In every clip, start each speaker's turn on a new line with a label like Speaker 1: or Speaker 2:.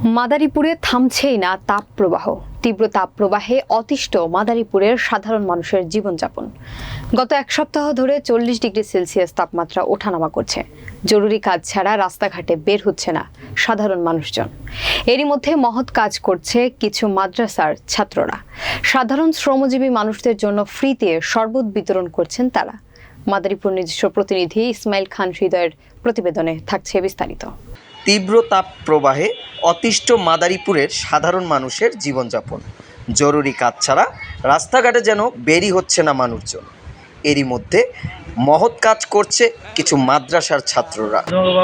Speaker 1: মাদারীপুরে থামছেই না তাপপ্রবাহ। তীব্র তাপপ্রবাহে অতিষ্ঠ মাদারীপুরের সাধারণ মানুষের জীবনযাপন। গত এক সপ্তাহ ধরে 40 ডিগ্রি সেলসিয়াস তাপমাত্রা ওঠানামা করছে। জরুরি কাজ ছাড়া রাস্তাঘাটে বের হচ্ছে না সাধারণ মানুষজন। এরই মধ্যে মহৎ কাজ করছে কিছু মাদ্রাসার ছাত্ররা। সাধারণ শ্রমজীবী মানুষদের জন্য ফ্রিতে শরবত বিতরণ করছেন তারা। মাদারীপুর নিজস্ব প্রতিনিধি ইসমাইল খান হৃদয়ের প্রতিবেদনে থাকছে বিস্তারিত।
Speaker 2: তীব্র তাপ প্রবাহে অতিষ্ঠ মাদারীপুরের সাধারণ মানুষের জীবনযাপন। জরুরি কাজ ছাড়া রাস্তাঘাটে যেন বেরই হচ্ছে না মানুষজন। এরই মধ্যে মহৎ কাজ করছে কিছু মাদ্রাসার ছাত্ররা।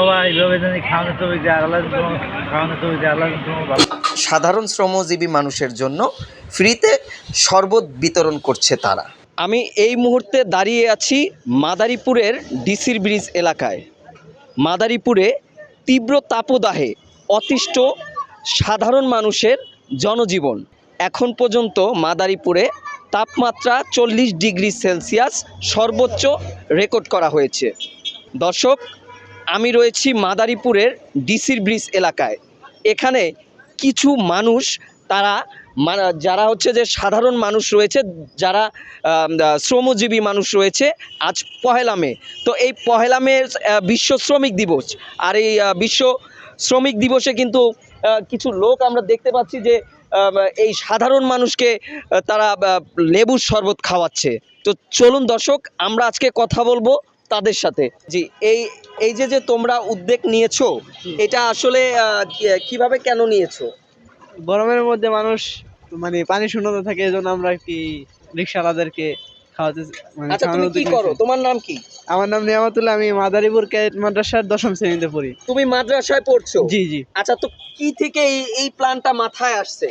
Speaker 2: সাধারণ শ্রমজীবী মানুষের জন্য ফ্রিতে শরবত বিতরণ করছে তারা। আমি এই মুহূর্তে দাঁড়িয়ে আছি মাদারীপুরের ডিসির ব্রিজ এলাকায়। মাদারীপুরে তীব্র তাপদাহে অতিষ্ঠ সাধারণ মানুষের জনজীবন। এখন পর্যন্ত মাদারীপুরে তাপমাত্রা 40 ডিগ্রি সেলসিয়াস সর্বোচ্চ রেকর্ড করা হয়েছে। দর্শক, আমি রয়েছি মাদারীপুরের ডিসির ব্রিজ এলাকায়। এখানে কিছু মানুষ তারা যারা হচ্ছে যে সাধারণ মানুষ রয়েছে, যারা শ্রমজীবী মানুষ রয়েছে, আজ পহেলা মে। তো এই পহেলা মে বিশ্ব শ্রমিক দিবস। আর এই বিশ্ব শ্রমিক দিবসে কিন্তু কিছু লোক আমরা দেখতে পাচ্ছি যে এই সাধারণ মানুষকে তারা লেবুর শরবত খাওয়াচ্ছে। তো চলুন দর্শক, আমরা আজকে কথা বলবো তাদের সাথে। জি, এই যে তোমরা উদ্যোগ নিয়েছো, এটা আসলে কিভাবে কেন নিয়েছো?
Speaker 3: গরমের মধ্যে মানুষ পানি শূন্যতা থাকে, এজন্য আমরা কি রিকশাওয়ালাদেরকে খাওয়াতে
Speaker 2: আচ্ছা, তুমি কি করো? তোমার নাম কি?
Speaker 3: আমার নাম নিয়ামতুল্লাহ। আমি মাদারীপুর ক্যাডেট মাদ্রাসার 10ম শ্রেণীতে পড়ি।
Speaker 2: তুমি মাদ্রাসায় পড়ছো?
Speaker 3: জি জি।
Speaker 2: আচ্ছা, তো কি থেকে এই প্ল্যানটা মাথায় আসছে?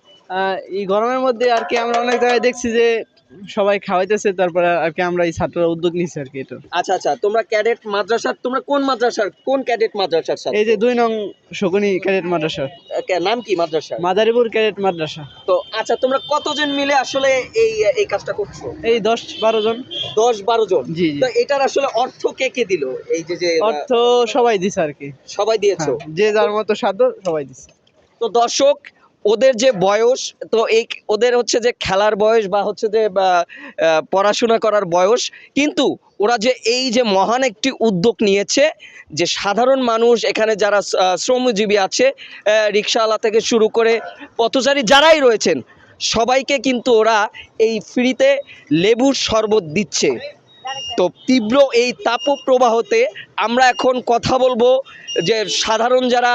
Speaker 3: এই গরমের মধ্যে আর কি আমরা অনেক জায়গায় দেখছি যে সবাই খাওয়াইতেছে, তারপরে আর কি আমরা এই ছাত্ররা উদ্যোগ নিচ্ছি আর কি। এটা
Speaker 2: আচ্ছা, তোমরা ক্যাডেট মাদ্রাসার, তোমরা কোন মাদ্রাসার, কোন ক্যাডেট মাদ্রাসার ছাত্র?
Speaker 3: এই যে 2 নং শকুনি ক্যাডেট মাদ্রাসা।
Speaker 2: নাম কি মাদ্রাসা?
Speaker 3: মাদারীপুর ক্যাডেট মাদ্রাসা।
Speaker 2: তো আচ্ছা, তোমরা কতজন মিলে আসলে এই কাজটা করছো?
Speaker 3: এই 10-12 জন।
Speaker 2: 10-12 জন?
Speaker 3: জি জি।
Speaker 2: তো এটার আসলে অর্থ কে দিল? এই যে
Speaker 3: অর্থ সবাই দিছে আর কি।
Speaker 2: সবাই দিয়েছো?
Speaker 3: যে যার মতো সাধ্য সবাই দিছে।
Speaker 2: তো দর্শক, ওদের যে বয়স, তো ওদের হচ্ছে যে খেলার বয়স বা হচ্ছে যে পড়াশোনা করার বয়স, কিন্তু ওরা যে এই যে মহান একটি উদ্যোগ নিয়েছে, যে সাধারণ মানুষ এখানে যারা শ্রমজীবী আছে, রিকশাওয়ালা থেকে শুরু করে পথচারী যারাই রয়েছেন, সবাইকে কিন্তু ওরা এই ফ্রিতে লেবুর শরবত দিচ্ছে। তো তীব্র এই তাপপ্রবাহতে আমরা এখন কথা বলবো যে সাধারণ যারা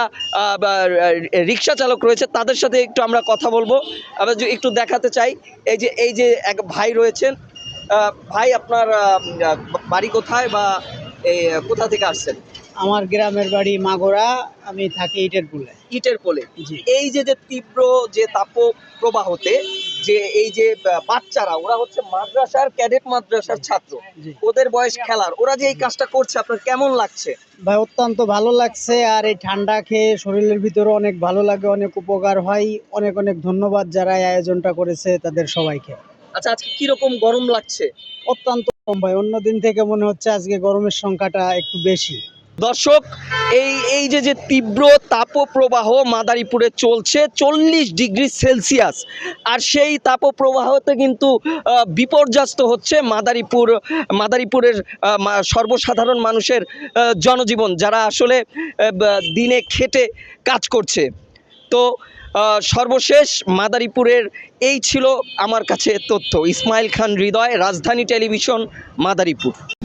Speaker 2: রিক্সা চালক রয়েছে তাদের সাথে একটু আমরা কথা বলবো। আমরা একটু দেখাতে চাই, এই যে এক ভাই রয়েছেন। ভাই, আপনার বাড়ি কোথায় বা কোথা থেকে আসছেন?
Speaker 3: আমার গ্রামের বাড়ি মাগুরা, আমি থাকি ইটের পোলে।
Speaker 2: এই যে তীব্র যে তাপপ্রবাহতে যে এই যে বাচ্চারা, ওরা হচ্ছে মাদ্রাসার ক্যাডেট মাদ্রাসার ছাত্র, ওদের বয়স খেলার, ওরা যে এই কাজটা করছে, আপনার কেমন লাগছে?
Speaker 3: ভাই, অত্যন্ত ভালো লাগছে। আর এই ঠান্ডা খেয়ে শরীরের ভিতরে অনেক ভালো লাগে, অনেক উপকার হয়। অনেক অনেক ধন্যবাদ যারা এই আয়োজনটা করেছে তাদের সবাইকে।
Speaker 2: আচ্ছা, আজকে কিরকম গরম লাগছে?
Speaker 3: অত্যন্ত কম ভাই, অন্য দিন থেকে মনে হচ্ছে আজকে গরমের সংখ্যাটা একটু বেশি।
Speaker 2: দর্শক, এই যে তীব্র তাপপ্রবাহ মাদারীপুরে চলছে 40 ডিগ্রি সেলসিয়াস, আর সেই তাপপ্রবাহতে কিন্তু বিপর্যস্ত হচ্ছে মাদারীপুরের সর্বসাধারণ মানুষের জনজীবন, যারা আসলে দিনে খেটে কাজ করছে। তো সর্বশেষ মাদারীপুরের এই ছিল আমার কাছে তথ্য। ইসমাইল খান হৃদয়, রাজধানী টেলিভিশন, মাদারীপুর।